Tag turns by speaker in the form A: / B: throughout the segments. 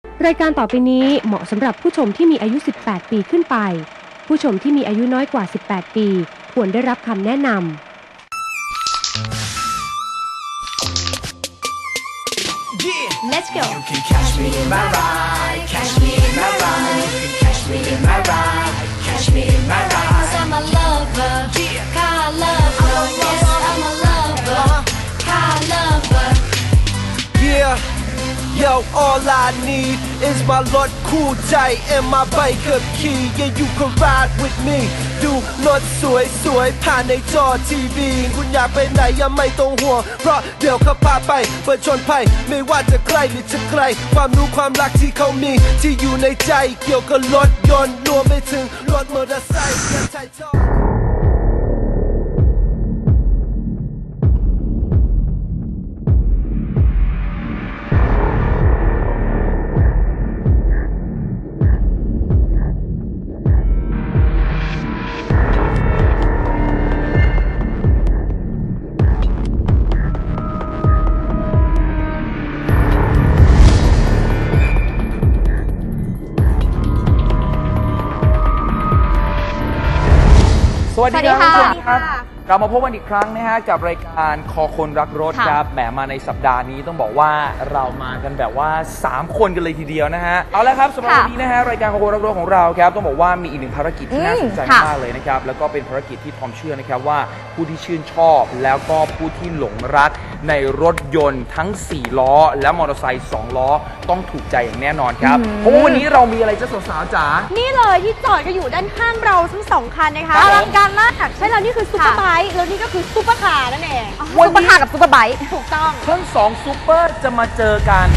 A: รายการต่อไปนี้เหมาะสำหรับผู้ชมที่มีอายุ 18 ปีขึ้นไป ผู้ชมที่มีอายุน้อยกว่า 18 ปีควรได้รับคำแนะนำ
B: Let's go. You can catch me in my ride, catch me in my ride. You can catch me in my ride, catch me in my ride. 'Cause I'm a lover, car lover. Yes, I'm a lover, car lover.
C: Yeah.Yo, all I need is my รถคู่ใจ and my bike ขับขี่ Yeah, you can ride with me ดูรถสวยๆผ่านในจอทีวีคุณอยากไปไหนยังไม่ต้องห่วงเพราะเดี๋ยวเขาพาไปเปิดชนภัยไม่ว่าจะใกล้หรือจะไกลความรู้ความรักที่เขามีที่อยู่ในใจเกี่ยวกับรถยนต์รวมไปถึงรถมอเตอร์ไซค์และใช้ชอบ
D: สวัสดีครับเรามาพบกันอีกครั้งนะฮะกับรายการคอคนรักรถครับแหมมาในสัปดาห์นี้ต้องบอกว่าเรามากันแบบว่า3คนกันเลยทีเดียวนะฮะเอาละครับสำหรับวันนี้นะฮะรายการคอคนรักรถของเราครับต้องบอกว่ามีอีกหนึ่งภารกิจที่น่าสนใจมากเลยนะครับแล้วก็เป็นภารกิจที่ทอมเชื่อนะครับว่าผู้ที่ชื่นชอบแล้วก็ผู้ที่หลงรักในรถยนต์ทั้ง4ล้อและมอเตอร์ไซค์2ล้อต้องถูกใจอย่างแน่นอนครับเพราะว่าวันนี้เรามีอะไรจะสาวๆจ๋า
E: นี่เลยที่จอดกันอยู่ด้านข้างเราทั้ง2คันนะคะอลังการมากใช่แล้วนี่คือซุปเปอร์ไบค์แล้วนี่ก็คือซุปเปอร์คาร์นั่นเองซุปเปอร์คาร์กับซุปเปอร์ไบค์ถูกต้อง
D: ทั้ง2ซุปเปอร์จะมาเจอกัน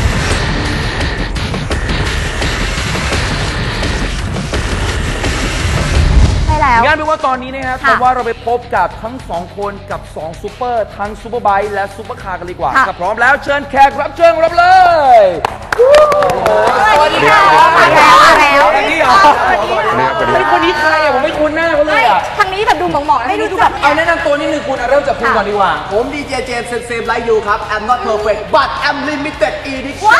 D: งั้นเป็นว่าตอนนี้นะครับแต่ว่าเราไปพบกับทั้ง2คนกับ2ซูเปอร์ทั้งซูเปอร์ไบค์และซูเปอร์คาร์กันดีกว่าถ้าพร้อมแล้วเชิญแขกรับเชิญรับเลย
E: สวัสดีค่ะมาแล้ว
D: นี่เหรอคนนี้ใครอ่ะผมไม่คุ้นหน้าเขาเลยอ่ะ
E: ทางนี้แบบดูหมองๆให้ดูแบบ
D: เอาแนะนำตัวนิดนึงคุณเริ่มจากคุณก่อนดีกว่า
F: ผมดีเจเจมส์เซมไลท์ยูครับ I'm not perfect but I'm limited edition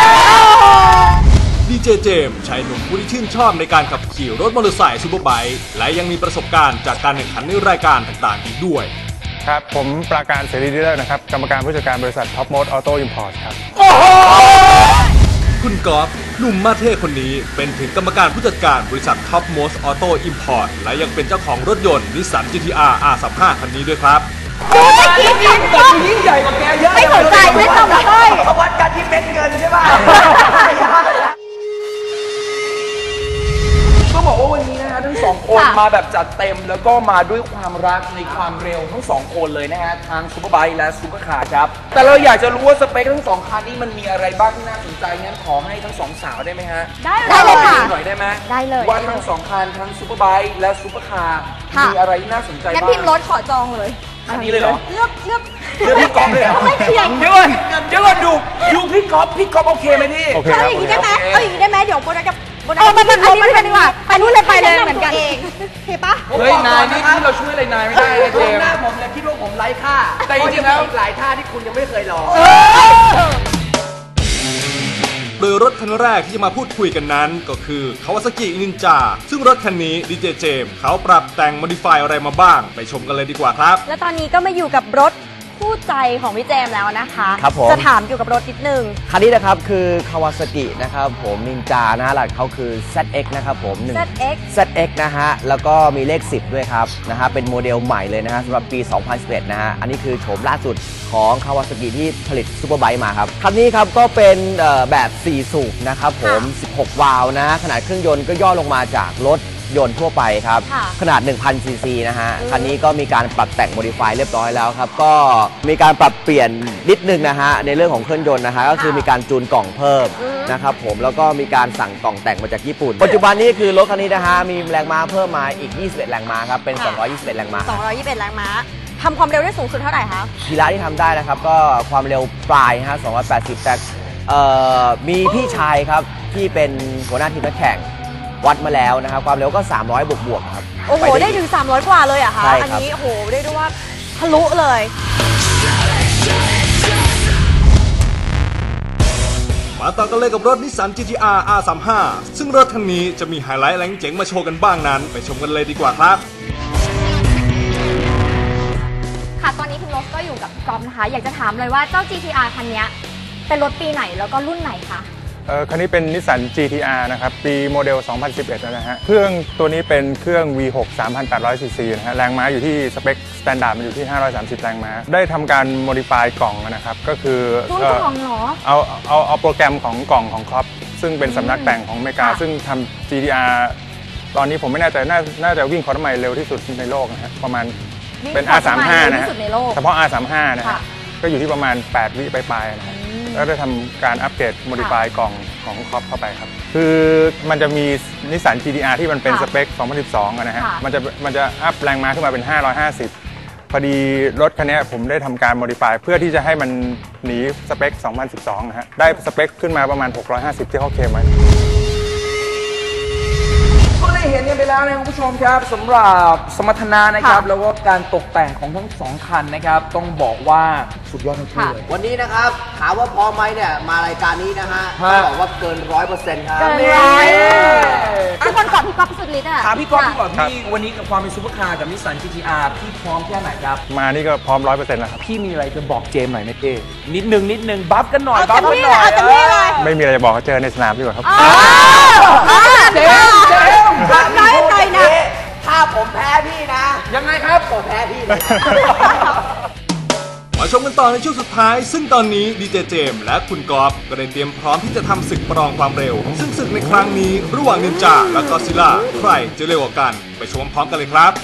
G: ดีเจเจมส์ชายหนุ่มผู้ที่ชื่นชอบในการขับขี่รถมอเตอร์ไซค์ซูเปอร์ไบค์และยังมีประสบการณ์จากการแข่งขันในรายการต่างๆอีกด้วย
H: ครับผมปราการเสรีดีลเลอร์นะครับกรรมการผู้จัดการบริษัทท็อปโมดออโต้อิมพอร์ตครับ
G: คุณกอล์ฟหนุ่มมาเท่คนนี้เป็นถึงกรรมการผู้จัดการบริษัท Top Most Auto Import และยังเป็นเจ้าของรถยนต์ Nissan GT-R R35 คันนี้ด้วยครับ
D: แต่ยิ่งใหญ่กว่าแกเยอะ
E: ไม่สนใจไม่ต้องเลย
F: วัดกันที่เป็นเงินใช่ไหม
D: ก็บอกว่าวันนี้นะฮะทั้ง2คนมาแบบจัดเต็มแล้วก็มาด้วยความรักในความเร็วทั้ง2คนเลยนะฮะทางซูเปอร์ไบค์และซูเปอร์คาร์ครับแต่เราอยากจะรู้ว่าสเปคทั้ง2คันนี้มันมีอะไรบ้างที่น่าสนใจงั้นขอให้ทั้ง2สาวได้ไหมฮะ
E: ได้เลยค่ะ
D: หน่อยได้ไหม
E: ได้เลย
D: ว่าทั้ง2คันทั้งซูเปอร์ไบค์และซูเปอร์คาร์มีอะไรที่น่าสนใจบ้าง
E: งั้นพิมพ์รถขอจองเลย
D: อันนี้เลยเหรอ
E: เลือก
D: พี่ก๊อฟเลยเหรอ
E: ไม่เถียง
D: เดี๋ยวก่อนดูพี่ก๊อฟโอเคไหมพี่
H: โอเค
E: เอาอย่างนี้ได้ไหมเดี๋ยวโบนัสกับอันนี้ดีกว่าไปนู่นเลยไปเลยเหมือนกันเองเห็นปะ
D: เฮ้ยนายนี่เราช่วยอะไรนายไม่ได้เจมส์
F: หน้าผมเนี่ยคิดว่าผมไร้ค่า
D: แต่จริงๆแล้ว
F: หลายท่าที่คุณยังไม่เคยลอง
G: โดยรถคันแรกที่จะมาพูดคุยกันนั้นก็คือ Kawasaki Ninja ซึ่งรถคันนี้ดีเจเจมส์เขาปรับแต่ง modify อะไรมาบ้างไปชมกันเลยดีกว่าครับ
E: และตอนนี้ก็มาอยู่กับรถคู่ใจของพี่เจมแล้วนะคะ
F: ครับผม
E: จะถามเกี่ยวกับรถนิดนึง
F: คันนี้นะครับคือ Kawasaki นะครับผมนินจานะฮะหลักเขาคือ ZX นะครับผมZX นะฮะแล้วก็มีเลข10ด้วยครับนะฮะเป็นโมเดลใหม่เลยนะฮะสำหรับปี 2011 นะฮะอันนี้คือโฉมล่าสุดของ Kawasaki ที่ผลิตซูเปอร์ไบค์มาครับคันนี้ครับก็เป็นแบบ4สูบนะครับผม16วาล์วนะฮะขนาดเครื่องยนต์ก็ย่อลงมาจากรถยนต์ทั่วไปครับขนาด 1,000 ซีซีนะฮะคันนี้ก็มีการปรับแต่งโมดิฟายเรียบร้อยแล้วครับก็มีการปรับเปลี่ยนนิดนึงนะฮะในเรื่องของเครื่องยนต์นะฮะก็คือมีการจูนกล่องเพิ่มนะครับผมแล้วก็มีการสั่งกล่องแต่งมาจากญี่ปุ่นปัจจุบันนี้คือรถคันนี้นะฮะมีแรงม้าเพิ่มมาอีก21แรงม้าครับเป็น221แรงม้า
E: 221แรงม้าทำความเร็วได้สูงสุดเท่าไหร่คะ
F: ทีละที่ทำได้นะครับก็ความเร็วปลายฮะ280แต่มีพี่ชายครับที่เป็นหัวหน้าทีมนักแข่งวัดมาแล้วนะครับความเร็วก็300บวกครับ
E: โอ้โหได้ถึง300กว่าเลยอะคะอันนี้โอ้โหได้ด้วยว่าทะลุเลย
G: ไปมาต่อกันเลยกับรถนิสสัน GT-R R35 ซึ่งรถคันนี้จะมีไฮไลท์อะไรเจ๋งมาโชว์กันบ้างนั้นไปชมกันเลยดีกว่าครับ
E: ค่ะตอนนี้คุณโรสก็อยู่กับกอล์ฟนะคะอยากจะถามเลยว่าเจ้า GT-R คันนี้เป็นรถปีไหนแล้วก็รุ่นไหนคะ
H: คันนี้เป็นนิสสัน GT-R นะครับปีโมเดล 2011 นะฮะเครื่องตัวนี้เป็นเครื่อง V6 3,800 cc นะฮะแรงม้าอยู่ที่สเปคสแตนดาร์ดมันอยู่ที่530แรงม้าได้ทำการโมดิฟายกล่องนะครับก็คือ
E: รุ่นกล่องเหรอ
H: เอาโปรแกรมของกล่องของครอปซึ่งเป็นสำนักแต่งของอเมริกาซึ่งทำ GT-R ตอนนี้ผมไม่แน่ใจน่าจะวิ่งคอร์สไมล์เร็วที่สุดในโลกนะฮะประมาณเป็น R35 นะฮะเฉพาะ R35 นะฮะก็อยู่ที่ประมาณ8 วิปลายๆนะฮะแล้วได้ทำการอัปเกรดโมดิฟายกล่องของครอปเข้าไปครับคือมันจะมีนิสสัน GT-R ที่มันเป็นสเปค 2012 นะฮะมันจะอัพแรงม้าขึ้นมาเป็น 550 พอดีรถคันนี้ผมได้ทำการโมดิฟายเพื่อที่จะให้มันหนีสเปค 2012 นะฮะได้สเปคขึ้นมาประมาณ 650 ที่เขาเคลมไว้
D: ก็ได้เห็นกันไปแล้วนะคุณผู้ชมครับสำหรับสมรรถนะนะครับแล้วก็การตกแต่งของทั้ง2คันนะครับต้องบอกว่าสุดยอดทั้งคู่เลย
F: วันนี้นะครับถามว่าพอไหมเนี่ยมารายการนี้นะฮะต้องบอกว่าเกิน 100% ครับ
E: เกิน100ทุกคนกอดพี่ก๊อฟสุดฤทธิ์อ่ะ
D: ถามพี่ก๊อฟก่อนพี่วันนี้กับความเป็นซุปเปอร์คาร์กับนิสสัน GT-R พี่พร้อมแค่ไหนครับ
H: มานี่ก็พร้อม 100% แล้วครับ
D: พี่มีอะไรจะบอกเจมส์หน่อยไหมเป้นิดนึงบัฟกันหน่อย
E: บัฟกันหน่อย
H: ไม่มีอะไรจะบอกเขาเจอในสนามดีกว่าครับ
D: เจมส์
E: น้อยใจนะ
F: ถ้าผมแพ้พี่นะ
D: ยังไงครับ
F: ผมแพ้พี่
G: มาชมกันต่อในช่วงสุดท้ายซึ่งตอนนี้ดีเจเจมส์และคุณกอล์ฟก็ได้เตรียมพร้อมที่จะทำศึกประลองความเร็วซึ่งศึกในครั้งนี้ระหว่างนินจาและก็ซิล่าใครจะเร็วกว่ากันไปชมพร้อมกันเลยครับ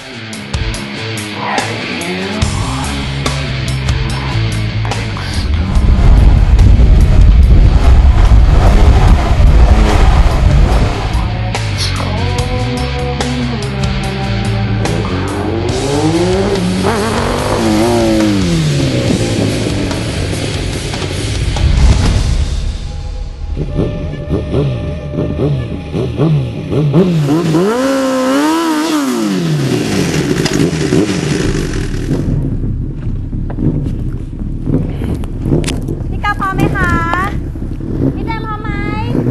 E: พี่ก้าวพร้อมไหมคะพี่เจมส์พร้อมไหม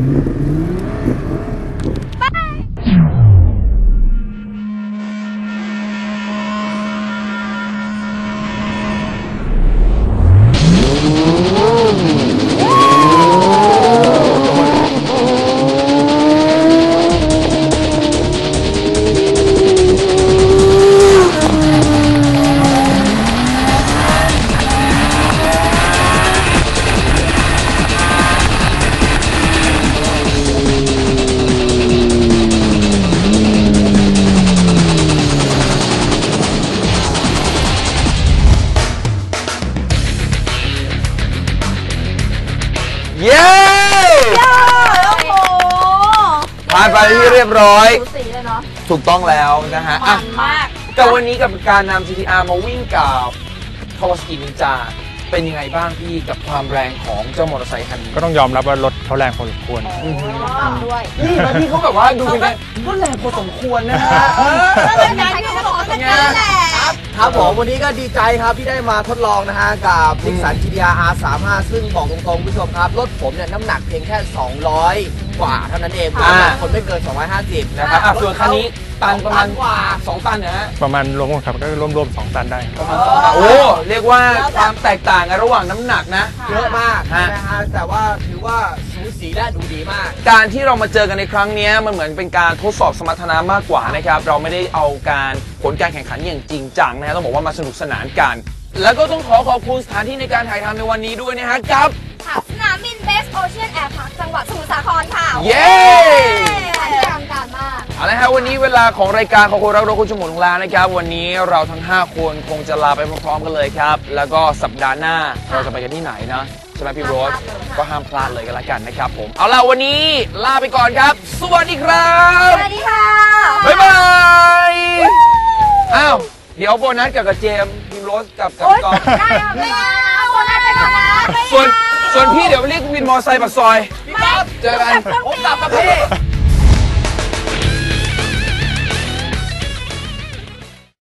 E: ไป
D: เย้ผ่านไปที่เรียบร้อยถูกต้องแล้วนะฮะแต่วันนี้กับการนำ GT-R มาวิ่งกับ Kawasaki Ninja เป็นยังไงบ้างพี่กับความแรงของเจ้ามอเตอร์ไซค์คันนี้
H: ก็ต้องยอมรับว่ารถเขาแรงพอสมควร
E: ด้วย
D: นี่นะพี่เขาแบบว่าดูเป็นไงก็แรงพอสมควรนะฮะ
F: ครับผมวันนี้ก็ดีใจครับที่ได้มาทดลองนะฮะกับนิสสัน GT-R R35 ซึ่งบอกตรงๆผู้ชมครับรถผมเนี่ยน้ำหนักเพียงแค่200กว่าเท่านั้นเองคนไม่เกิน250
D: นะครับส่วนคันนี้ตันประมาณ2 ตันนะฮะ
H: ประมาณรวมกันครับก็รวม2 ตันได้
D: ประมาณ2 ตันโอ้เรียกว่าความแตกต่างกันระหว่างน้ำหนักนะ
F: เยอะมากนะฮะแต่ว่าถือว่าสูสีและดูดีมาก
D: การที่เรามาเจอกันในครั้งนี้มันเหมือนเป็นการทดสอบสมรรถนะมากกว่านะครับเราไม่ได้เอาผลการแข่งขันอย่างจริงจังนะฮะต้องบอกว่ามาสนุกสนานกันแล้วก็ต้องขอบคุณสถานที่ในการถ่ายทำในวันนี้ด้วยนะฮะกับ
E: สนามบินเบสโอเชียนแอร์พาร์คจังหวัดสมุทรสาครค่ะ
D: เย้
E: ทางการมาก
D: เอาละครับวันนี้เวลาของรายการของคนรักรถคุณชมของเรานะครับวันนี้เราทั้ง5คนคงจะลาไปพร้อมๆกันเลยครับแล้วก็สัปดาห์หน้าเราจะไปกันที่ไหนนะใช่ไหมพี่โรสก็ห้ามพลาดเลยกันละกันนะครับผมเอาล่ะวันนี้ลาไปก่อนครับสวัสดีครับ
E: สวัสดีค่ะ
D: บ๊ายบายอ้าวเดี๋ยวโบนัสกับเจมส์พี่โรสกับกอล์ฟ
E: ได้ค่ะไม่เอาโบนัสไปก่อนนะ
D: ส่วนพี่เดี๋ยวเรียกวินมอเตอร์ไซค์ปากซอย
F: พี่ก๊อฟ
D: เจอกัน
F: ผมกลับกับพี่